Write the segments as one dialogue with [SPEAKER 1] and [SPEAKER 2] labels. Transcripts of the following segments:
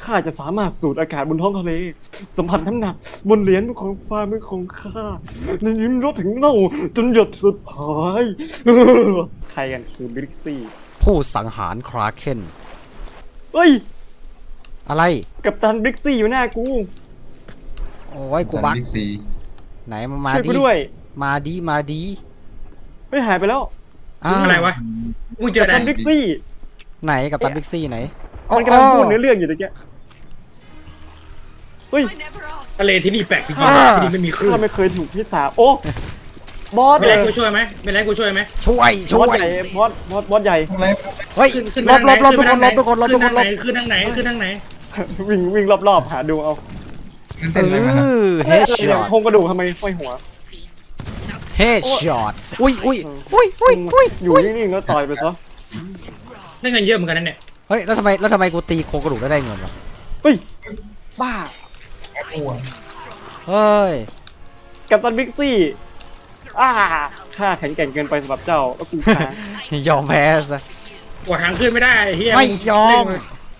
[SPEAKER 1] ข้าจะสามารถสูดอากาศบนท้องทะเลสัมผัสน้ำหนักบนเหรียญของฟ้ามือของข้าในยิ้มรสถึงเน่าจนหยดสุดท้ายใครกันคือบริกซี่
[SPEAKER 2] ผู้สังหารคราเคน
[SPEAKER 1] เฮ้ย
[SPEAKER 2] อะไร
[SPEAKER 1] กัปตันบริกซี่อยู่หน้ากู
[SPEAKER 2] โอ้ยกูบัก
[SPEAKER 3] บิ๊กซี
[SPEAKER 2] ไหนมา
[SPEAKER 1] ช่วย
[SPEAKER 2] ดี
[SPEAKER 1] กูด้วย
[SPEAKER 2] มาดี
[SPEAKER 1] เฮ้ยหายไปแล้ว
[SPEAKER 2] อ้าว
[SPEAKER 4] อะไรวะมึงเจ
[SPEAKER 1] กั
[SPEAKER 4] อ
[SPEAKER 1] ป
[SPEAKER 4] ไหน
[SPEAKER 1] ตันบริกซี่
[SPEAKER 2] ไหนกับตันบิ๊กซี่ไหน
[SPEAKER 1] มันกำลังพูดเนื้อเรื่องอยู่ตะเกียเฮ้ย
[SPEAKER 4] ทะเลที่นี่แปลกจริงๆที่นี่ไม่มีคลื่น
[SPEAKER 1] ข้าไม่เคยถูกพิษาโอ้บอส
[SPEAKER 4] เป็นไรกูช่วยไหมเป็นไรกูช่วยไหม
[SPEAKER 2] ช่วย
[SPEAKER 1] บ
[SPEAKER 2] ช่
[SPEAKER 1] อ
[SPEAKER 2] ว
[SPEAKER 1] ส
[SPEAKER 2] ย
[SPEAKER 1] ใหญ่บอสใหญ่
[SPEAKER 3] อะไร
[SPEAKER 2] เฮ้ย
[SPEAKER 4] ขึ้น
[SPEAKER 2] ลบทุกคนลบทุกคนลบทุกคนลบ
[SPEAKER 4] ขึ้นทางไหนขึ้นทางไหน
[SPEAKER 1] วิ่งรอบๆหาดูเอา
[SPEAKER 3] เต้นอะไรมันนะ
[SPEAKER 2] เฮดช็อต
[SPEAKER 1] โครงกระดูกทำไมห้อยหัว
[SPEAKER 2] เฮดช็อตอุ้ย
[SPEAKER 1] อยู่นิ่งๆแล้วต่อยไปซะ
[SPEAKER 4] ได้เงินเยอะเหมือนกันนั่นเนี่ย
[SPEAKER 2] เฮ้ยแล้วทำไมกูตีโครงกระดูกได้เงินวะ
[SPEAKER 1] เฮ้ยบ้า
[SPEAKER 3] อ้วน
[SPEAKER 2] เฮ้ย
[SPEAKER 1] กัปตันบิ๊กซี่ข้าแข็งแกร่งเกินไปสำหรับเจ้าแล้วกูค้าง
[SPEAKER 2] ยอมแพ้ซะ
[SPEAKER 4] กดทางขึ้นไม่ได้เฮีย
[SPEAKER 2] ไม่ยอม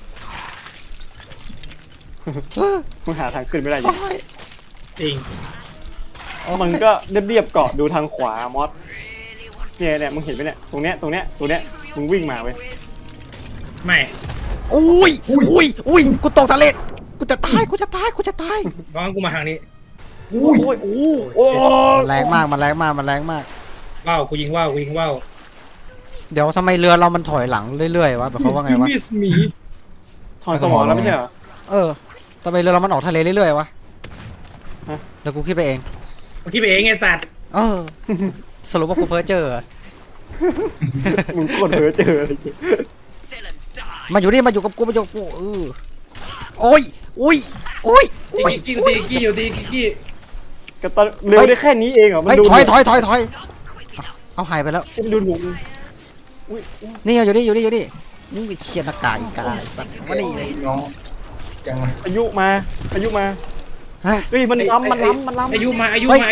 [SPEAKER 1] มึงหาทางขึ้นไม่ได้ยัง
[SPEAKER 4] จริง
[SPEAKER 1] มันก็เรียบๆเกาะดูทางขวามอสเนี่ยมึงเห็นไหมเนี่ยตรงเนี้ยมึงวิ่งมาเว้ย
[SPEAKER 4] ไม่
[SPEAKER 2] อุ้ยกูตกทะเลกูจะตาย
[SPEAKER 4] เพราะงั้นกูมาทางนี้
[SPEAKER 1] โอ้ยโอ้
[SPEAKER 2] มันแรงมาก
[SPEAKER 4] ว้าวกูยิงว่าวกูยิงว่าว
[SPEAKER 2] เดี๋ยวทำไมเรือเรามันถอยหลังเรื่อยๆวะแบบเขาว่าไงวะ
[SPEAKER 4] มิสมี
[SPEAKER 1] ถอนสมองแล้วไม่ใช่เหรอ
[SPEAKER 2] ทำไมเรือเรามันออกทะเลเรื่อยๆวะ
[SPEAKER 1] ฮะ
[SPEAKER 2] แล้วกูคิดไปเอง
[SPEAKER 4] กูคิดไปเองไงสัตว์
[SPEAKER 2] สรุปว่ากูเพ้อเจอ
[SPEAKER 1] มึงโคตรเพ้อเจอเลย
[SPEAKER 2] มาอยู่กับกูโอ้ย
[SPEAKER 4] ตีกี้อยู่ตีกี้
[SPEAKER 1] กัปตันเร็วได้แค่นี้เองเหรอมัน
[SPEAKER 2] เฮ้ย
[SPEAKER 1] ดู
[SPEAKER 2] ถอยเอาหายไปแล้ว
[SPEAKER 1] มันดูหนุ่ม
[SPEAKER 2] นี่อยู่นี่นี่เชียร์หน้ากากอีกาสัตว์มานี่เลย
[SPEAKER 3] น้องจังเลย
[SPEAKER 1] อายุมา
[SPEAKER 2] ฮะ
[SPEAKER 1] เฮ้ยมันล้ำ
[SPEAKER 4] อายุมา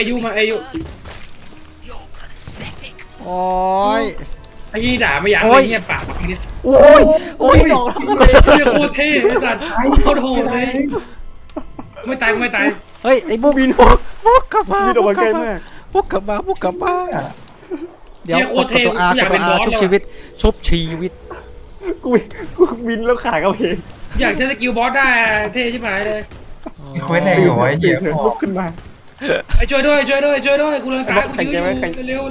[SPEAKER 2] โอ้ย
[SPEAKER 4] ไอ้ยี่ด่าไม่อยากเลยเงียบปากนี่
[SPEAKER 2] โอ้ย
[SPEAKER 1] ดอกทำไม
[SPEAKER 4] เฮียโคตรเท่ไอ้สัตว์โคตรโหดเลยไม่ตาย
[SPEAKER 2] เฮ้ยไอ้บุกกลับมา
[SPEAKER 1] มีดอกไม้ใกล้มาก
[SPEAKER 2] บุกกลับมาเดี๋ยว
[SPEAKER 4] เฮียโค
[SPEAKER 2] ก
[SPEAKER 4] ต
[SPEAKER 2] ด
[SPEAKER 4] รเท่
[SPEAKER 2] ตัวอา
[SPEAKER 4] อยากเป็นบอส
[SPEAKER 2] ชุบ
[SPEAKER 4] แล้ว
[SPEAKER 2] ชีวิต
[SPEAKER 1] กูบินแล้วขากระเพง
[SPEAKER 4] อยากใช้สกิลบอสได้เท่ชิบหายเลย
[SPEAKER 3] มีเควสแรงอยู่ไว้เหี้ย
[SPEAKER 1] ลุกขึ้นมา
[SPEAKER 4] ไอ้ช่วยด้วยกูเลยตายกูยืนเร็ว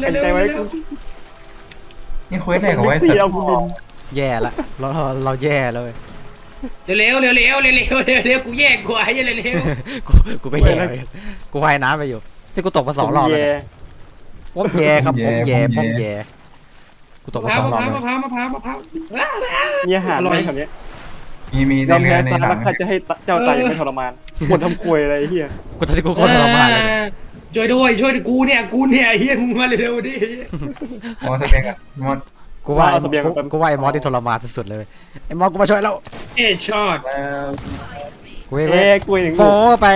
[SPEAKER 3] นี่เควสแรงเอาไว้
[SPEAKER 1] บิ๊กซี่เอากูบิน
[SPEAKER 2] แย่ละเราแย่เลย
[SPEAKER 4] เร็วกูแยกกูไอ้เร็ว
[SPEAKER 2] กูก็แย่เลยกูว่ายน้ำไปอยู่ที่กูตกมา2 รอบแล้วเนี่ยป้อมแย่ครับป้อมแย่กูตก
[SPEAKER 4] มะ
[SPEAKER 2] มา
[SPEAKER 4] พร้าว
[SPEAKER 2] 2 รอบเลย
[SPEAKER 4] มะพร้าว
[SPEAKER 1] มีอาหารไหมแถวนี้
[SPEAKER 3] มี
[SPEAKER 1] ยอม
[SPEAKER 3] ใน
[SPEAKER 1] แพ้
[SPEAKER 3] เรือใน
[SPEAKER 1] ซะ
[SPEAKER 3] หนั
[SPEAKER 1] แล้ว
[SPEAKER 3] ง
[SPEAKER 1] ข้าจะให้เจ้าตายอย่างไม่ทรมานควรทำควยอะไรเฮีย
[SPEAKER 2] กูตอนนี้กูโคตรทรมานเลย
[SPEAKER 4] ช่วยด้วยกูเนี่ยเฮียมึงมาเร็วดิ
[SPEAKER 3] มอสเต็กอะมอส
[SPEAKER 2] กูว่าไอ้มอสที่ทรมานสุดๆเลยไอ้มอสกูมาช่วยแล้ว
[SPEAKER 4] เอ้ช็อต
[SPEAKER 3] แล้ว
[SPEAKER 2] กูเว้
[SPEAKER 1] กล้วยหนึ่ง
[SPEAKER 2] โอ้ไป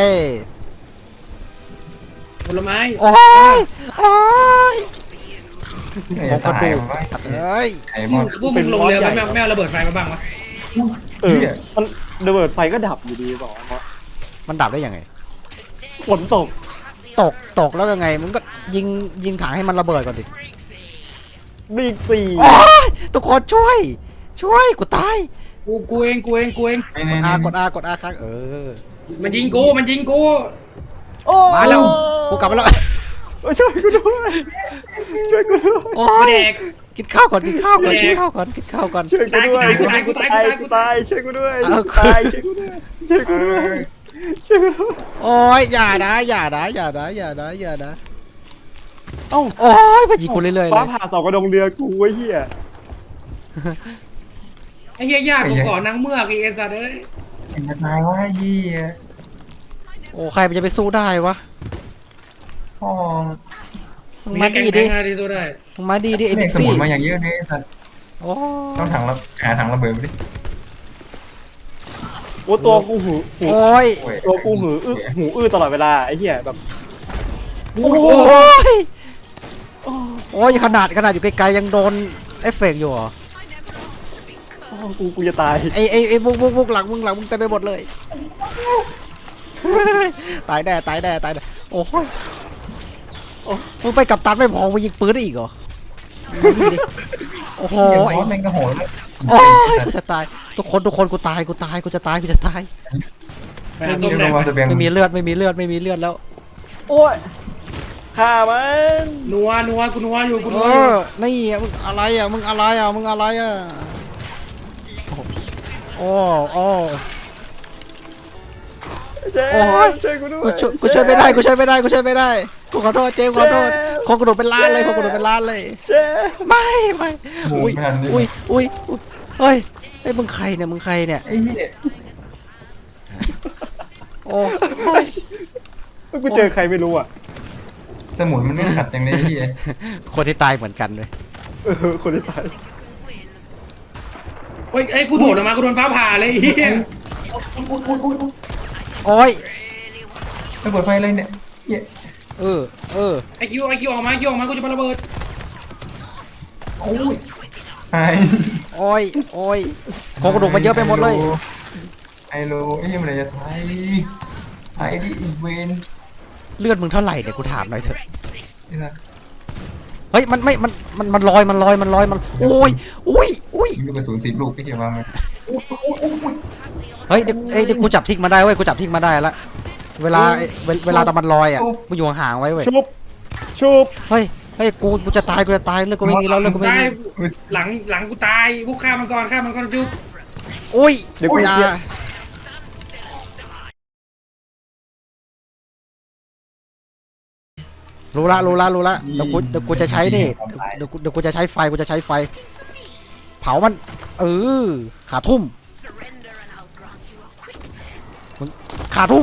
[SPEAKER 4] ผลไม้
[SPEAKER 2] โอ้ย
[SPEAKER 3] จะตายมั้ย
[SPEAKER 2] เอ้ย
[SPEAKER 3] ไอ้มอส
[SPEAKER 4] พวกมึงลงเรือแล้วแมวระเบิดไฟมาบ้างวะ
[SPEAKER 1] มันระเบิดไฟก็ดับอยู่ดีบอกว่า
[SPEAKER 2] มันดับได้ยังไง
[SPEAKER 1] ฝนตก
[SPEAKER 2] ตกแล้วยังไงมึงก็ยิงถังให้มันระเบิดก่อนดิ
[SPEAKER 1] บิ๊กซี่
[SPEAKER 2] โอ้ยทุกคนช่วยกูตาย
[SPEAKER 4] กูเอง
[SPEAKER 2] กดอาค้าง
[SPEAKER 4] มันยิงกู
[SPEAKER 1] โอ้
[SPEAKER 2] มาแล้วกูกลับมาแล้ว
[SPEAKER 1] ช่วยกูด้วย
[SPEAKER 2] โอ้
[SPEAKER 4] กู
[SPEAKER 2] ย
[SPEAKER 4] แดก
[SPEAKER 2] กินข้าวก่อน
[SPEAKER 1] ช่วยกูด้วยช่วยกูด้วย
[SPEAKER 2] โอ้ยอย่านะโอ้ยพยิงกูเรื่อยๆเล
[SPEAKER 1] ฟ้าย ผ่าเสากระดงเรือกูไอ้เหี้ย
[SPEAKER 4] ไอ้เฮียยากกูก่อนนางเมือกไอ้สัตว์เอ้ย
[SPEAKER 3] เห็นตายว่าเหี้ย
[SPEAKER 2] โอ้ใครมันจะไปสู้ได้วะ
[SPEAKER 3] พ่อ
[SPEAKER 2] มึงมาดีดิ
[SPEAKER 4] ตัวได้
[SPEAKER 2] ไอ้
[SPEAKER 3] เด็
[SPEAKER 2] บิ๊
[SPEAKER 3] ก
[SPEAKER 2] ก
[SPEAKER 3] ส
[SPEAKER 2] ซี่
[SPEAKER 3] มุนมาอย่างเยอะเลยสัตว์
[SPEAKER 2] โอ้
[SPEAKER 3] ต้องหาถังระเบิดไปดิ
[SPEAKER 1] โอ้ตัวกูหู
[SPEAKER 2] โอ้ย
[SPEAKER 1] ตัวกูหูอื้อตลอดเวลาไอ้เหี้ยแบบ
[SPEAKER 2] โอ้ยขนาดอยู่ไกลๆยังโดนเอฟเฟกต์อยู่เหรอ
[SPEAKER 1] อ๋อกูจะตาย
[SPEAKER 2] ไอ้บุกหลังมึงเต็มไปหมดเลย ตายแน่โอ้ยมึงไปกับตันไม่พอมึงยิงปืนได้อีกเหรอโอ้โห
[SPEAKER 3] เหี้ยบอสแม่งก็โหดแล้ว
[SPEAKER 2] โอ้ยกูจะตายทุกคนกูตายกูจะตาย
[SPEAKER 4] ไปหาต้มแดง
[SPEAKER 2] ไม่มีเลือดแล้ว
[SPEAKER 1] โอ้ยฆ่ามัน
[SPEAKER 4] นัวกูนัวอยู่กู
[SPEAKER 2] เอ
[SPEAKER 4] นัวอยู่
[SPEAKER 2] อนี่มึงอะไรอ่ะมึงอะไรอ่ะโอ้
[SPEAKER 1] เจ๊
[SPEAKER 2] โอ้ย
[SPEAKER 1] ช่วยกูด้วย
[SPEAKER 2] กูช่วยไม่ได้กูขอโทษเจมส์ขอโทษคนกระโดดเป็นล้านเลย
[SPEAKER 1] เจ๊
[SPEAKER 2] ไม่
[SPEAKER 3] หมู
[SPEAKER 2] อุ้ย
[SPEAKER 3] ไม่ทันนี่
[SPEAKER 2] อุ้ยเฮ้ยไอ้มึงใครเนี่ย
[SPEAKER 3] ไอ้เหี้ย
[SPEAKER 2] โอ้
[SPEAKER 1] กูเจอใครไม่รู้อ่ะ
[SPEAKER 3] สมุนมันไม่ขัดอย่างนี้ไอ้เหี้ย
[SPEAKER 2] คนที่ตายเหมือนกันเลย
[SPEAKER 1] คนที่ตาย
[SPEAKER 4] เฮ้ยไอ้กูโดดออกมากูโดนฟ้าผ่าเลยไอ้เหี้ย
[SPEAKER 2] โอ้ย
[SPEAKER 3] ไม่เปิดไฟเลยเนี่ยเหี้ย
[SPEAKER 2] เออ
[SPEAKER 4] ไอ้คิวออกมากูจะมาระเบิด
[SPEAKER 3] โอ้ยไอ้
[SPEAKER 2] โอ้ยคนกระโดดมันเยอะไปหมดเลย
[SPEAKER 3] ไอ้โลไอ้เหี้ยมันจะตายไอ้ดิอีเวน
[SPEAKER 2] เลือดมึงเท่าไหร่เนี่ยกูถามหน่อยเถอะ
[SPEAKER 3] นี่นะ
[SPEAKER 2] เฮ้ยมันลอยมันโอ้ย
[SPEAKER 3] มีลูกกระสุน10 ลูกพี่เกี่ยวมาไหม
[SPEAKER 2] เฮ้ยเดี๋ยวกูจับทิ้งมาได้เว้ยกูจับทิ้งมาได้ละเวลาตอนมันลอยอ่ะมึงอยู่ห่างๆไว้เว้ย
[SPEAKER 1] ชุบ
[SPEAKER 2] เฮ้ยกูจะตายเลือดกูไม่มีแล้วเลือดกูไม่
[SPEAKER 4] ตาย
[SPEAKER 2] มี
[SPEAKER 4] หลังกูตายบุกฆ่ามันก่อนจุ๊บ
[SPEAKER 2] อุ้ย
[SPEAKER 1] เดี๋ยวกู
[SPEAKER 2] อย่า
[SPEAKER 1] เสีย
[SPEAKER 2] รู้ละเดี๋ยวกูจะใช้นี่เดี๋ยวกูจะใช้ไฟเผามันขาทุ่มมึงขาทุ่ม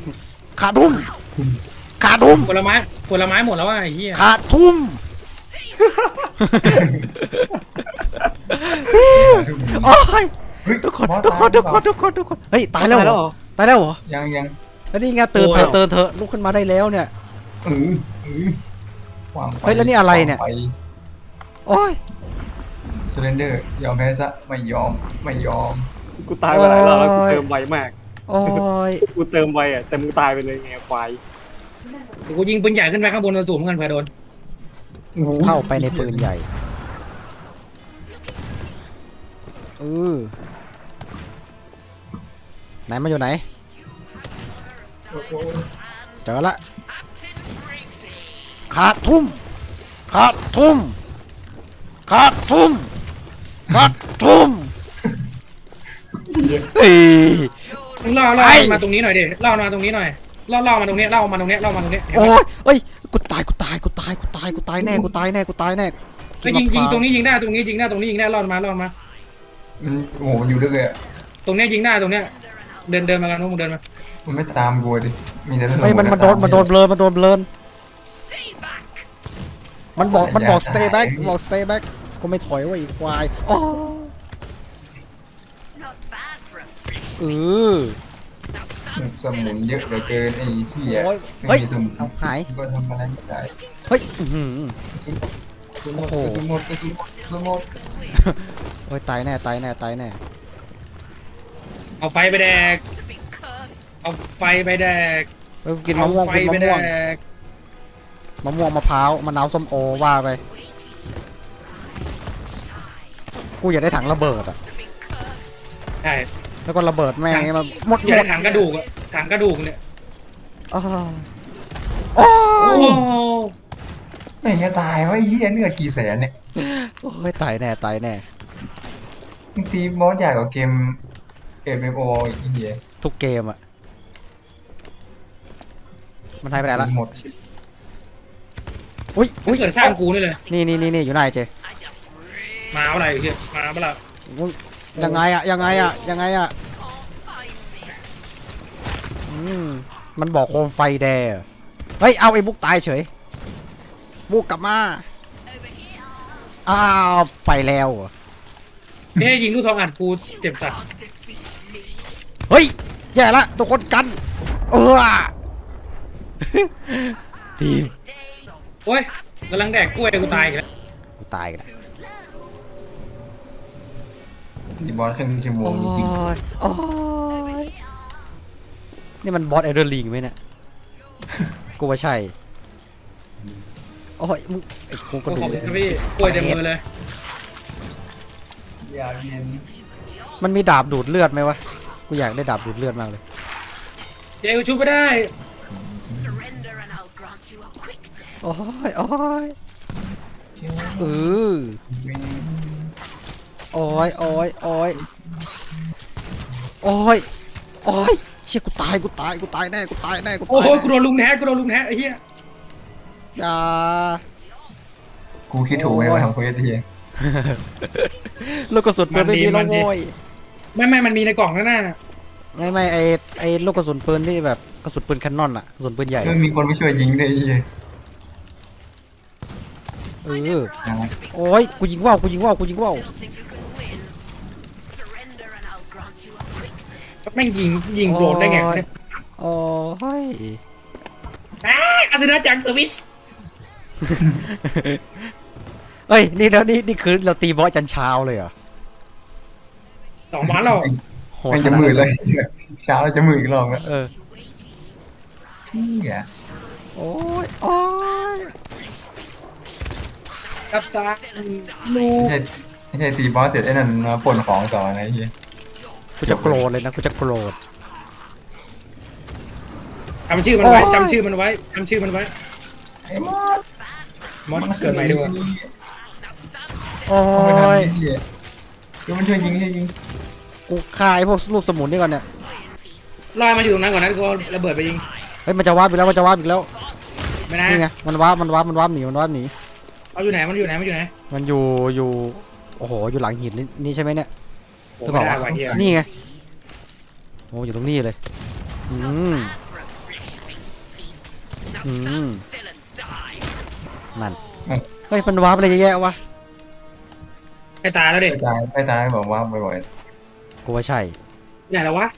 [SPEAKER 4] ผลไม้หมดแล้วว่ะไอ้เหี้ย
[SPEAKER 2] ขาทุ่มโอ้ย
[SPEAKER 3] เฮ้ย
[SPEAKER 2] ทุกคน
[SPEAKER 3] บอส
[SPEAKER 2] เฮ้ยตายแล้วเหรอ
[SPEAKER 3] ยัง
[SPEAKER 2] แล้วนี่ไงเตือนเถอะลุกขึ้นมาได้แล้วเนี่ย
[SPEAKER 3] เออวางไฟ
[SPEAKER 2] เฮ้ยแล้วนี่อะไรเนี่ย
[SPEAKER 3] วางไฟ
[SPEAKER 2] โอ้ย
[SPEAKER 3] เซเลนเดอร์ยอมแพ้ซะไม่ยอม
[SPEAKER 1] กูตายไปหลายรอบแล้วกูเติมไวมาก
[SPEAKER 2] โอ้ย
[SPEAKER 1] กูเติมไวอ่ะแต่มึงตายไปเลยไงควาย
[SPEAKER 4] เดี๋ยวกูยิงปืนใหญ่ขึ้นไปข้างบนสูงเหมือนกันเผื่อโดน
[SPEAKER 2] เข้าไปในปืนใหญ่ไหนมันอยู่ไหนเจอละขาดทุ่มเฮ้ย
[SPEAKER 4] มึงล่อ
[SPEAKER 2] ไอ้
[SPEAKER 4] มาตรงนี้หน่อยดิล่อมาตรงนี้หน่อยล่อมาตรงนี้เห็น
[SPEAKER 2] โอ้
[SPEAKER 4] ปะ
[SPEAKER 2] ยเอ้ยกูตายแน่
[SPEAKER 4] ก็ยิงตรงนี้ยิงได้ตรงนี้ยิงได้ล่อมา
[SPEAKER 3] โอ้โหมันอยู่ลึกเลยอะ
[SPEAKER 4] ตรงเนี้ยยิงได้ตรงเนี้ยเดินมากันนู้นมึงเดินมา
[SPEAKER 3] มันไม่ตามกูดิมีแต่
[SPEAKER 2] เฮ้ยมันโดนเบลอมันบอก stay back ก็ไม่ถอยว่าอีกควายอ๋อ
[SPEAKER 3] สมุนเยอะเหลือเกินไอ้เหี้ย
[SPEAKER 2] เฮ้ย
[SPEAKER 3] ไม่มีสมุน
[SPEAKER 2] เอาหาย
[SPEAKER 3] ก็ทำอะไรไม่ได้
[SPEAKER 2] เฮ้ยโอ้โห
[SPEAKER 3] กระสุนหมด
[SPEAKER 2] โอ้ยตายแน่
[SPEAKER 4] เอาไฟไปแดกเอาไฟไปแดก
[SPEAKER 2] เฮ้ยกินมะม่วง
[SPEAKER 4] ไฟ
[SPEAKER 2] กิน
[SPEAKER 4] ไป
[SPEAKER 2] มะ
[SPEAKER 4] แด
[SPEAKER 2] ม่วง
[SPEAKER 4] ก
[SPEAKER 2] มะพร้าวมะนาวส้มโอว่าไปกูอยากได้ถังระเบิดอ่ะ
[SPEAKER 4] ใช่
[SPEAKER 2] แล้วก็ระเบิดแม่งให้มันหมด
[SPEAKER 4] อย่าได้ถังกระดูกอะถังกระดูกเนี่ย
[SPEAKER 2] อ้าวโอ้
[SPEAKER 4] โอ้
[SPEAKER 2] ย
[SPEAKER 3] ไม่จะตายวะไอ้เหี้ยเนื้อกี่แสนเนี่ย
[SPEAKER 2] โอ้ยตายแน่
[SPEAKER 3] บางทีบอสใหญ่กว่าเกมMMO อีกเหี้ย
[SPEAKER 2] ทุกเกมอ่ะมันหายไปไหนละ
[SPEAKER 3] หมด
[SPEAKER 2] อุ้ย
[SPEAKER 4] เกิดสร้างกูนี่เลย
[SPEAKER 2] นี่อยู่ไหนเจ
[SPEAKER 4] มาอะไรเชียมาเปล่า
[SPEAKER 2] มึงยังไงอ่ะมันบอกโคมไฟแดงเฮ้ยเอาไอ้บุ๊กตายเฉยบุ๊กกลับมาอ้าวไปแล้วเหรอ
[SPEAKER 4] เฮ้ยยิงลูกทองอัดกูเจ็บสัตว์
[SPEAKER 2] เฮ้ยแย่ละทุกคนกันทีม
[SPEAKER 4] โอ้ยกำลังแดกกล้วยกูตายอีกแล้ว
[SPEAKER 2] กูตายกัน
[SPEAKER 3] ตีบอสครึ่งชั่วโม
[SPEAKER 2] โอ้
[SPEAKER 3] งจริง
[SPEAKER 2] ยโอ้ยนี่มันบอสเอเดอร์ลิงไหมเนี่ยกูว่าใช่โอ้ยมึงไอ้โครงก
[SPEAKER 4] ขอ
[SPEAKER 2] ระ
[SPEAKER 4] บ
[SPEAKER 2] ดู
[SPEAKER 4] คุ
[SPEAKER 2] ก
[SPEAKER 4] ณ
[SPEAKER 2] เนี่ย
[SPEAKER 4] ครับพี่กล้วยเต็มมือเลย
[SPEAKER 3] ๆยาเย็น
[SPEAKER 2] มันมีดาบดูดเลือดไหมวะกูอยากได้ดาบดูดเลือดมากเลย
[SPEAKER 4] เจ๊กูชุบไม่ได้
[SPEAKER 5] Surrender and I'll grant you a quick death.
[SPEAKER 2] โอ้ยโอ้ยเออโอ้ยโอ้ยโอ้ยโอ้ยโอ้ยเชี่ยกูตายกูตายกูตายแน่กูตายแน่กู
[SPEAKER 4] โอ้
[SPEAKER 2] ตาย
[SPEAKER 4] โห
[SPEAKER 2] แน่
[SPEAKER 4] กูโดนลุงแท้กูโดนลุงแท้ไอ้เหี้ย
[SPEAKER 2] อย่า
[SPEAKER 3] กูคิดถูกไหมว่าทำเควสที
[SPEAKER 2] ลูกกระสุนปืนไม่มีแล้วโว้ย
[SPEAKER 4] ไม่มันมีในกล่องข้างหน้า
[SPEAKER 2] ไม่ไอลูกกระสุนปืนที่แบบกระสุนปืนแคนนอนอะกระสุนปืนใหญ่
[SPEAKER 3] มันมีคนไม่ช่วยยิงด้วยไอ้เหี้ย
[SPEAKER 2] เออโอ้ยกูยิงว่าวกูยิงว่าวกูยิงว่าว
[SPEAKER 5] Still think you can win? Surrender and I'll grant you a quick death.
[SPEAKER 4] แม่งยิงโดนได้ไงเนี่ย
[SPEAKER 2] โอ้ย
[SPEAKER 4] อาซินาจังสวิช
[SPEAKER 2] เอ้ยนี่แล้วนี่คือเราตีบอสจันเช้าเลยเหรอ
[SPEAKER 4] 2 วันแล้ว
[SPEAKER 2] โหด
[SPEAKER 3] ไม่
[SPEAKER 2] ข
[SPEAKER 3] จะ
[SPEAKER 2] นาด
[SPEAKER 3] มืด
[SPEAKER 2] นั้น
[SPEAKER 3] เลยเช้าจะมืดอีกรอบแล้ว
[SPEAKER 2] เออ
[SPEAKER 3] เชี่ย
[SPEAKER 2] โอ้ยโอ้ย
[SPEAKER 4] กับตาลู
[SPEAKER 3] ไม่ใช่ตีบอสเสร็จไอ้นั่นมาป่นของต่อนะไอ้เหี้ย
[SPEAKER 2] กูจะโกรธเลยนะกูจะโกรธ
[SPEAKER 4] จำชื่อมันไว้
[SPEAKER 2] โอ้ย
[SPEAKER 4] จำชื่อมันไว้จำชื่อมันไว้
[SPEAKER 3] ไอ้มอส
[SPEAKER 4] มอสเกิดใหม่ดีกว่า
[SPEAKER 2] โอ้
[SPEAKER 3] เอาไปทำ
[SPEAKER 2] ย
[SPEAKER 3] ไอ้เหี้ยเดี๋ยวมันช่วยยิงช่วยยิง
[SPEAKER 2] กูฆ่าไอ้พวกลูกสมุนนี่ก่อนเนี่ย
[SPEAKER 4] ลอยมาอยู่ตรงนั้นก่อนนะกูระเบิดไปยิง
[SPEAKER 2] เฮ้ยมันจะวาร์ปอีกแล้วมันจะวาร์ปอีกแล้ว
[SPEAKER 4] ไม่นะ
[SPEAKER 2] นี่ไงมันวาร์ปหนีมันวาร์ปหนี
[SPEAKER 4] เอาอยู่ไหนมันอยู่ไหนมันอยู่ไหน
[SPEAKER 2] มันอยู่โอ้โหอยู่หลังหินนี่ใช่ไหมเนี่ย
[SPEAKER 4] โอ้
[SPEAKER 2] หรือเป
[SPEAKER 4] ไม่
[SPEAKER 2] ล่า
[SPEAKER 4] ได้
[SPEAKER 2] วะ
[SPEAKER 4] ว่ะเฮีย
[SPEAKER 2] นี่ไงโอ้อยู่ตรงนี้เลยอืม
[SPEAKER 5] For a fresh faced thief. Now
[SPEAKER 2] Mm.
[SPEAKER 5] stand still and die.
[SPEAKER 2] นั่นเฮ้ยมันวาร์ปอะไรเยอะแยะวะ
[SPEAKER 4] ไปตายแล้วเด็ก
[SPEAKER 3] ไปตายบอกว่าบ่อย
[SPEAKER 2] กูว่าใช่
[SPEAKER 4] ไหนแล้ววะ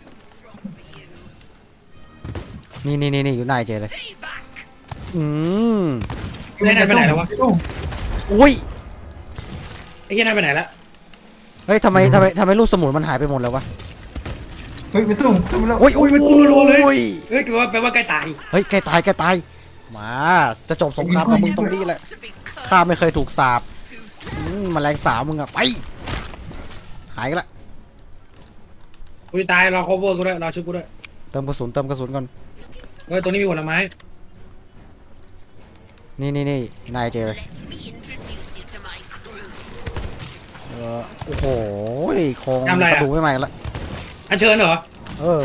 [SPEAKER 2] นี่อยู่หน้าไอ้เจเลย
[SPEAKER 5] Stay back.
[SPEAKER 2] อืม
[SPEAKER 3] ๆ
[SPEAKER 4] ไหนไปไหนแล้ววะ
[SPEAKER 2] อุ้ย
[SPEAKER 4] ไอ้เฮียนายไปไหนละ
[SPEAKER 2] เฮ้ยทำไมลูกสมุนมันหายไปหมดแล้ววะ
[SPEAKER 3] เฮ้ยไปสู้แล้ว
[SPEAKER 2] อุ้ย
[SPEAKER 4] ไปกูรัวๆเลยเฮ้ยแปลว่าใกล้ตาย
[SPEAKER 2] เฮ้ยแกตายมาจะจบสงครามกับมึงตรงนี้แหละ
[SPEAKER 5] To be cursed
[SPEAKER 2] ข้าไม่เคยถูกสาบ
[SPEAKER 5] to
[SPEAKER 2] แมลงสาวมึงอะไปหายกันละ
[SPEAKER 4] กูจะตายรอ cover กูด้วยรอชุบกูด้วย
[SPEAKER 2] เติมกระสุนก่อน
[SPEAKER 4] เฮ้ยตรงนี้มีผลไม้
[SPEAKER 2] นี่นายเจเลย
[SPEAKER 5] let me introduce you to my crew.
[SPEAKER 2] โอ้โหโครงกระดูกไม่ใหม่ละ
[SPEAKER 4] อันเชิญเหรอ
[SPEAKER 2] เออ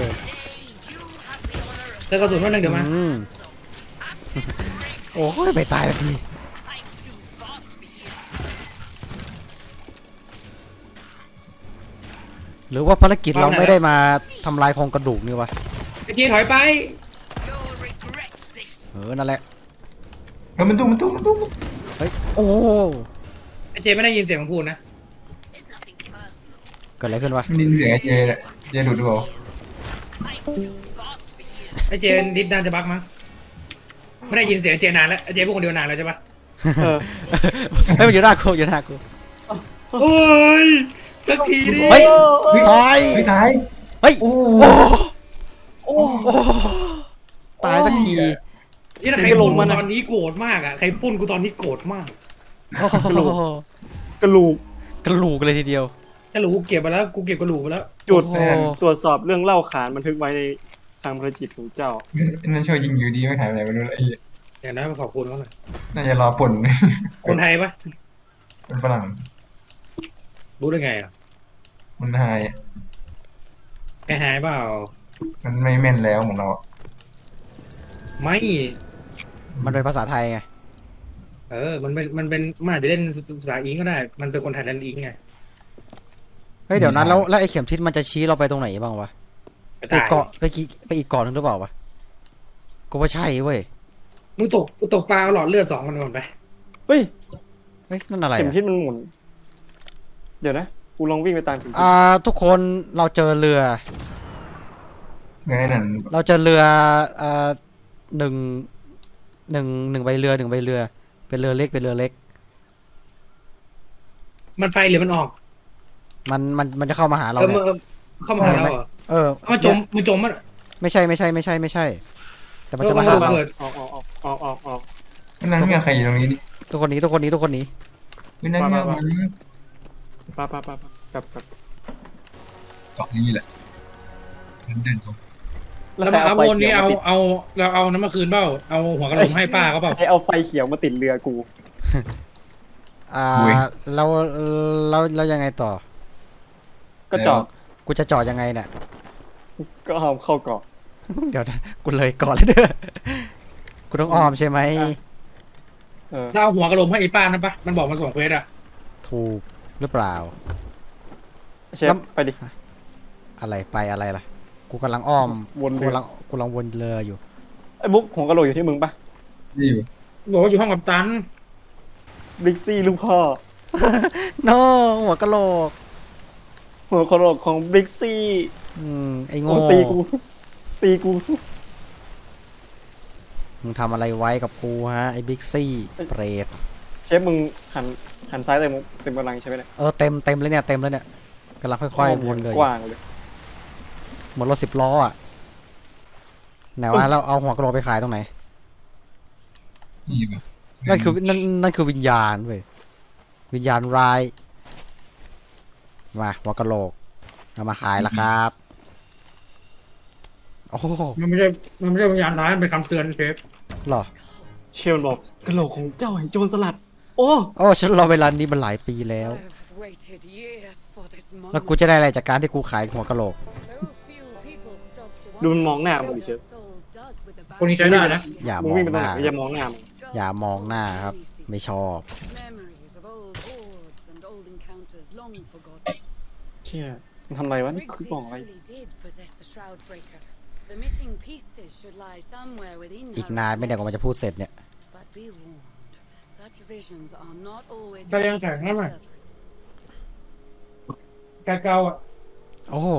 [SPEAKER 5] Today you have the honor of
[SPEAKER 4] เจอกระสุนวันหนึ่งเดี๋ยวมา
[SPEAKER 2] อืมโอ้ยไปตายแล้วที
[SPEAKER 5] I'm too fast for you.
[SPEAKER 2] หรือว่าภารกิจเราไม่ได้มาทำลายโครงกระดูกนี่วะ
[SPEAKER 4] ไอ้เจ๊ถอยไป
[SPEAKER 5] You'll regret this.
[SPEAKER 2] นั่นแหละ
[SPEAKER 3] แล้วมันตุ้ม
[SPEAKER 2] เฮ้ยโอ้
[SPEAKER 4] ไอ้เจ๊ไม่ได้ยินเสียงของพูดนะ
[SPEAKER 5] There's nothing personal.
[SPEAKER 2] เกิดอะไรขึ้นวะ
[SPEAKER 3] มันดินเสียงไอ้เจเลยเจดูดู
[SPEAKER 5] I'm too fast for you.
[SPEAKER 4] ไอ้เจดิดนานจะบักมั้งไม่ได้ยินเสียงเจนานแล้วไอ้เจพูดคนเดียวนานแล้วใช่ปะ
[SPEAKER 1] เออ
[SPEAKER 2] เฮ้ยมันอยู่หน้ากู
[SPEAKER 4] โอ้ยสักทีดิ
[SPEAKER 2] เฮ้ยตาย
[SPEAKER 3] ไม่ตาย
[SPEAKER 2] เฮ้ย
[SPEAKER 3] โอ้
[SPEAKER 2] โอ้ตายสักที
[SPEAKER 4] นี่ถ้าใครปุ้นกูตอนนี้โกรธมากอ่ะใครปุ้นกูตอนนี้โกรธมาก
[SPEAKER 2] โอ้โห
[SPEAKER 1] กระลูก
[SPEAKER 2] กระลูกเลยทีเดียว
[SPEAKER 4] ถ้าหลูกูเก็บไปแล้วกูเก็บกระหลูกไปแล้ว
[SPEAKER 1] จุด
[SPEAKER 2] โอ้โห
[SPEAKER 1] ตรวจสอบเรื่องเล่าขานบันทึกไว้ในทางพระจิตของเจ้า
[SPEAKER 3] นั่นช่วยยิงอยู่ดีไม่หายไปไหนไม่รู้ไอ้
[SPEAKER 4] อย่างนั้นมาขอบคุณเขาหน่อย
[SPEAKER 3] น่าจะรอป่น
[SPEAKER 4] คนไทยปะ
[SPEAKER 3] เป็นฝรั่ง
[SPEAKER 4] รู้ได้ไงอ่ะ
[SPEAKER 3] มันหาย
[SPEAKER 4] แกหายเปล่า
[SPEAKER 3] มันไม่แม่นแล้วของเรา
[SPEAKER 4] ไม่
[SPEAKER 2] มันเป็นภาษาไทยไง
[SPEAKER 4] มันอาจจะเล่นภาษาอิงก็ได้ มันเป็นคนไทยเล่นอิงไง
[SPEAKER 2] เฮ้ยเดี๋ยวนั้นแล้วไอ้เข็มทิศมันจะชี้เราไปตรงไหนบ้างวะ
[SPEAKER 4] ไป
[SPEAKER 2] ไป
[SPEAKER 4] ตาย
[SPEAKER 2] เกาะไปอีกเกาะหนึงหรือเปล่าวะกูว่าใช่เว้ย
[SPEAKER 4] มึงตกปลาเอาหลอดเลือด2 มันก่อนไป
[SPEAKER 1] เฮ้ย
[SPEAKER 2] เฮ้ยนั่นอะไร
[SPEAKER 1] เข็ม
[SPEAKER 2] อะ
[SPEAKER 1] ทิศมันหมุน เดี๋ยวนะ กูลองวิ่งไปตามเข็มทิศ
[SPEAKER 2] ทุกคนเราเจอเรือ
[SPEAKER 3] เงินนั่น
[SPEAKER 2] เราเจอเรือหนึ่งใบเรือ เป็นเรือเล็ก
[SPEAKER 4] มันไปหรือมันออก
[SPEAKER 2] มันจะเข้ามาหาเรา
[SPEAKER 4] เออ
[SPEAKER 2] เนี่ย
[SPEAKER 4] เข้ามาหาเราเหรอ
[SPEAKER 2] เออ
[SPEAKER 4] มันจมมัน
[SPEAKER 2] ไม่ใช่แต่มันจะมาหาเรา
[SPEAKER 4] เกิด
[SPEAKER 1] ออก
[SPEAKER 3] นั่นไงใครอยู่ตรงนี้นี่
[SPEAKER 2] ทุกคนหนี้
[SPEAKER 3] นั่นไงมัน
[SPEAKER 1] ป้ากลับ
[SPEAKER 3] เกาะนี้แหละเดินตรง
[SPEAKER 4] แล้วมาเอาวนนี้เราเอาน้ำมาคืนเปล่าเอาหัวกระโหลกให้ป้าเขาเปล่า
[SPEAKER 1] ให้เอาไฟเขียวมาติดเรือกู
[SPEAKER 2] เรายังไงต่อ
[SPEAKER 1] ก็จอด
[SPEAKER 2] กูจะจอดยังไงเนี่ย
[SPEAKER 1] ก็เอาเข้าเกาะ
[SPEAKER 2] เดี๋ยวนะกูเลยก่อนเลยเด้อกูต้องอ้อมใช่ไหม
[SPEAKER 4] เราเอาหัวกระโหลกให้ไอ้ป้านั่นปะมันบอกมาส่งเควสอะ
[SPEAKER 2] ถูกหรือเปล่า
[SPEAKER 1] เชฟไปดิ
[SPEAKER 2] อะไรไปอะไรล่ะ กูกำลังอ้อม
[SPEAKER 1] วนเรือ
[SPEAKER 2] กูกำลังวนเรืออยู่
[SPEAKER 1] ไอ้บุ๊กหัวกะโหลกอยู่ที่มึงปะ
[SPEAKER 3] นี่อยู่
[SPEAKER 4] บอกว่าอยู่ห้องกัปตัน
[SPEAKER 1] บิ๊กซี่ลูกพ่อ
[SPEAKER 2] โนหัวกะโหลก
[SPEAKER 1] หัวกะโหลกของบิ๊กซี่
[SPEAKER 2] ไอ้โง่
[SPEAKER 1] ตีกู
[SPEAKER 2] มึงทำอะไรไว้กับกูฮะไอ้บิ๊กซี่เปรต
[SPEAKER 1] เชฟมึงหันซ้ายเต็มกำลังใช่ไหมเนี่ย
[SPEAKER 2] เต็มเลยเนี่ยกำลังค่อยๆวนเลย
[SPEAKER 1] กว้างเลย
[SPEAKER 2] เหมือนรถ10 ล้ออ่ะไหนว่าเราเอาหัวกะโหลกไปขายตรงไหน
[SPEAKER 3] นี่ปะ
[SPEAKER 2] นั่นคือวิญญาณเว้ยวิญญาณร้ายมาหัวกะโหลกเอามาขายแล้วครับโอ้โห
[SPEAKER 4] มันไม่ใช่วิญญาณร้ายมันเป็นคำเตือนเชฟ
[SPEAKER 2] เหรอ
[SPEAKER 1] เชฟมันบอกกะโหลกของเจ้าแห่งโจรสลัด โอ้
[SPEAKER 2] ฉันรอเวลานี้มันหลายปีแล้ว
[SPEAKER 5] I've waited years for this
[SPEAKER 2] แล้ว
[SPEAKER 5] moment.
[SPEAKER 2] กูจะได้อะไรจากการที่กูขายหัวกะโหลก
[SPEAKER 5] So few people stop to
[SPEAKER 1] ดูมันมองหน้า
[SPEAKER 5] wonder
[SPEAKER 1] มึงดิ
[SPEAKER 5] what
[SPEAKER 1] เชฟ
[SPEAKER 5] our souls does with the
[SPEAKER 4] คนนี้ใช้ได้นะ
[SPEAKER 2] อย่า
[SPEAKER 1] มึ
[SPEAKER 2] ม
[SPEAKER 1] ง
[SPEAKER 2] อ
[SPEAKER 1] วิ่ง
[SPEAKER 2] ง
[SPEAKER 1] ไป
[SPEAKER 2] ห
[SPEAKER 1] ตรงไห
[SPEAKER 2] น้าน
[SPEAKER 1] อย่ามองหน้ามึง
[SPEAKER 2] อย่ามองหน้าครับ ไม่ชอบ
[SPEAKER 5] Memories of old hordes and old encounters long forgotten.
[SPEAKER 1] เชี่ยมันทำอะไรวะนี่คือ
[SPEAKER 5] Briggsy
[SPEAKER 1] กล่องอะไร
[SPEAKER 5] truly did possess the shroud breaker. The missing pieces should lie somewhere within
[SPEAKER 2] อีก
[SPEAKER 5] her
[SPEAKER 2] นานไม่ได้กว่ามันจะพูดเสร็จเนี่ย
[SPEAKER 5] But be warned, such visions are not always
[SPEAKER 4] ก็ยังแข็งนั่นแหละ แกเก่าอ่ะ
[SPEAKER 2] โอ้โห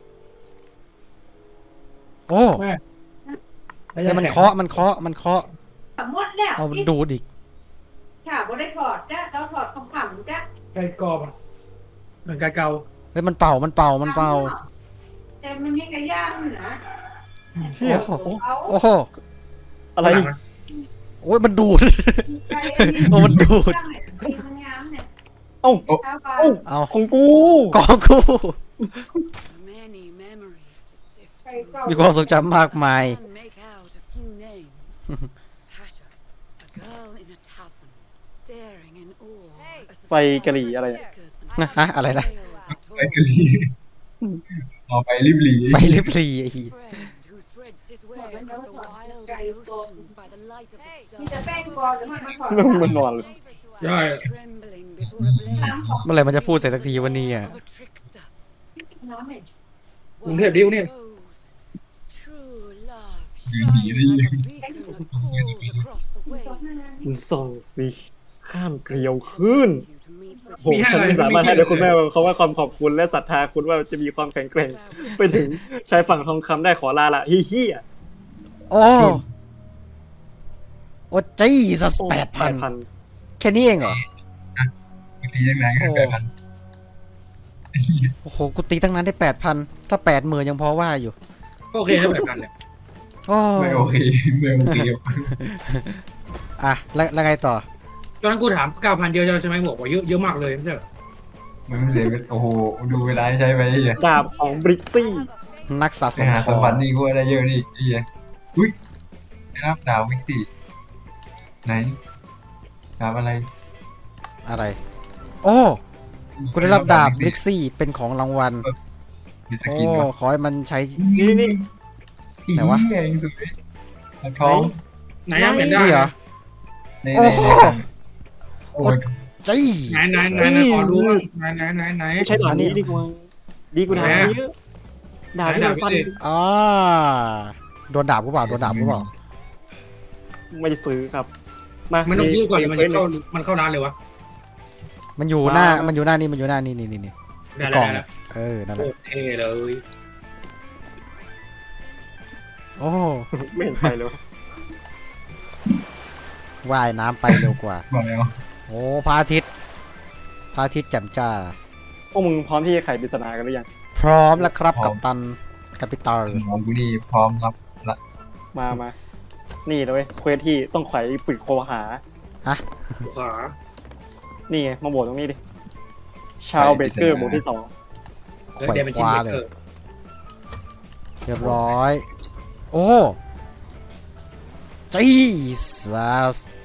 [SPEAKER 2] โอ้
[SPEAKER 4] แม่
[SPEAKER 2] เนี่ยมันเคาะ
[SPEAKER 6] หมดแล้ว
[SPEAKER 2] เอามันดูดอีก
[SPEAKER 6] ค่ะบ่ได้ถอดจ้ะเราถอดคำขำจ้ะ
[SPEAKER 4] ไก่กรอบอ่ะเหมือนไก่เก่า
[SPEAKER 2] เฮ้ยมันเป่า
[SPEAKER 6] แต่มันมีกระย่างนี่นะ
[SPEAKER 1] เชี่ย
[SPEAKER 2] โอ้โห
[SPEAKER 6] เอา
[SPEAKER 2] โอ้โห
[SPEAKER 1] อะไร
[SPEAKER 2] โอ้ยมันดูด
[SPEAKER 6] ไป
[SPEAKER 2] โอ้มันดูด
[SPEAKER 6] มันงามเนี่ย
[SPEAKER 1] เอ้า
[SPEAKER 6] เอาไป
[SPEAKER 2] เอา
[SPEAKER 1] ของกู
[SPEAKER 2] กองกู
[SPEAKER 5] Many memories to sift
[SPEAKER 6] ไป
[SPEAKER 5] through.
[SPEAKER 6] ก่อน
[SPEAKER 2] มีความทรงจำมากมาย
[SPEAKER 5] Can make out a few names. Tasha, a girl in a tavern, staring in awe as the
[SPEAKER 1] ไฟกะหรี่อะไรอะ
[SPEAKER 5] flickers
[SPEAKER 2] นะฮะอะไรนะ
[SPEAKER 5] and tales
[SPEAKER 3] ไปกะลีเอาไปรีบหลี
[SPEAKER 2] ไปลิบลีไอ้เหี้ย
[SPEAKER 5] friend who threads his way across the wildest oceans by the light of the
[SPEAKER 6] มีแต่
[SPEAKER 5] stars,
[SPEAKER 6] แป้งก่อนแล้วมันมาถอด
[SPEAKER 1] มึงมันนอนเลย
[SPEAKER 4] ใช่
[SPEAKER 5] trembling before a blade
[SPEAKER 6] น้ำของ
[SPEAKER 2] เมื่อไหร่มันจะพูดเสร็จสักทีวันนี้อ่ะ
[SPEAKER 5] of a trickster.
[SPEAKER 6] น้ำเนี่ย
[SPEAKER 4] กรุงเทพดิวเนี่ย
[SPEAKER 5] True love
[SPEAKER 3] ยืนหนีได้
[SPEAKER 5] shines
[SPEAKER 3] ยัง
[SPEAKER 5] like a beacon that calls across the waves.
[SPEAKER 1] ส่องสิข้ามเกลียวขึ้น
[SPEAKER 5] You to meet with
[SPEAKER 1] โหฉันไม่สามารถให้ได้คุณแม่เขาว่าความขอบคุณและศรัทธาคุณว่าจะมีความแข็งแกร่ง ไปถึงชายฝั่งทองคำได้ขอลาละเฮี้ย
[SPEAKER 2] โอ้โอ้จี้สัส8,000
[SPEAKER 1] 8,000
[SPEAKER 2] แค่นี้เองเหรอ
[SPEAKER 3] ตียังไงกันแบบนั้น
[SPEAKER 2] โอ้โห กูตีตั้งนั้นได้ 8,000 ถ้า 80,000ยังพอว่าอยู่
[SPEAKER 4] ก็โอเคแล้วแบบกันแหละ
[SPEAKER 2] โอ้
[SPEAKER 3] ไม่โอเคไม่โอเค
[SPEAKER 2] อ่ะแล้วไงต่อ
[SPEAKER 4] ตอนนั้นกูถาม 9,000 เยอะใช่ไหมบอกว่าเยอะมากเลยไม่ใช่เหรอ
[SPEAKER 3] มันเสียโอ้โหดูเวลาใช้ไปไอ้เหี้ย
[SPEAKER 1] ดาบของบริกซี่
[SPEAKER 2] นักสะส
[SPEAKER 3] ไป
[SPEAKER 2] ม
[SPEAKER 3] หา
[SPEAKER 2] ข
[SPEAKER 3] ส
[SPEAKER 2] อ
[SPEAKER 3] ม
[SPEAKER 2] ง
[SPEAKER 3] บัตินี่กูได้เยอะดิไอ้เหี้ยอุ้ยได้รับดาววิกซี่ไหนดาวอะไร
[SPEAKER 2] อะไร โอ้ กูได้รับดาบลิกซี่เป็นของรางวัล
[SPEAKER 3] มีส
[SPEAKER 2] โอ้
[SPEAKER 3] กินวะ
[SPEAKER 2] ขอให้มันใช้
[SPEAKER 1] นี่
[SPEAKER 2] ไหนวะ
[SPEAKER 3] เองสุดเลยท้อง
[SPEAKER 4] ไหนยังเห็นได้
[SPEAKER 2] นี่เหรอ
[SPEAKER 3] ใน
[SPEAKER 2] โอ้โห
[SPEAKER 3] โอ้ย
[SPEAKER 2] จี้
[SPEAKER 4] ไหนขอดูไหน
[SPEAKER 1] ไม่ใช่ดาบนี้ดีกว่าดีกว่าดาบนี้เยอะดาบที่มันฟัน
[SPEAKER 2] อ่าโดนดาบกูเปล่า
[SPEAKER 1] ไม่ได้ซื้อครับ
[SPEAKER 4] มันต้องซื้อก่อนหรือมันเข้าร้านเลยวะ
[SPEAKER 2] มันอยู่หน้านี่นี่
[SPEAKER 4] ได้
[SPEAKER 2] กล่อง
[SPEAKER 4] แล้ว
[SPEAKER 2] นั่นแห
[SPEAKER 4] โอ
[SPEAKER 2] ละ
[SPEAKER 4] เคเลย
[SPEAKER 2] โอ้
[SPEAKER 1] ไม่เห็นไฟเลย
[SPEAKER 2] ว่ายน้ำไปเร็วกว่า
[SPEAKER 3] บอกแล้ว
[SPEAKER 2] โอ้พระอาทิตย์แจ่มจ้า
[SPEAKER 1] พวกมึงพร้อมที่จะไขปริศนากันหรือยัง
[SPEAKER 2] พร้อมแล้วครับกัปตันกัปิตอล
[SPEAKER 3] หมอกูนี่พร้อมรับละ
[SPEAKER 1] มา นี่นะเว้ยเควสที่ต้องไขปริศโคหา
[SPEAKER 4] ขวา
[SPEAKER 1] นี่ไงมาโหวตตรงนี้ดิ ชาวเบเกอร์หมู่ที่ 2
[SPEAKER 2] แข
[SPEAKER 4] แล้ว
[SPEAKER 2] วน
[SPEAKER 4] เดมอน
[SPEAKER 2] ค
[SPEAKER 4] จิม
[SPEAKER 2] ว้า
[SPEAKER 4] เบ
[SPEAKER 2] เล
[SPEAKER 4] เก
[SPEAKER 2] ย
[SPEAKER 4] อร์
[SPEAKER 2] เรียบร้อย โอ้จีซัส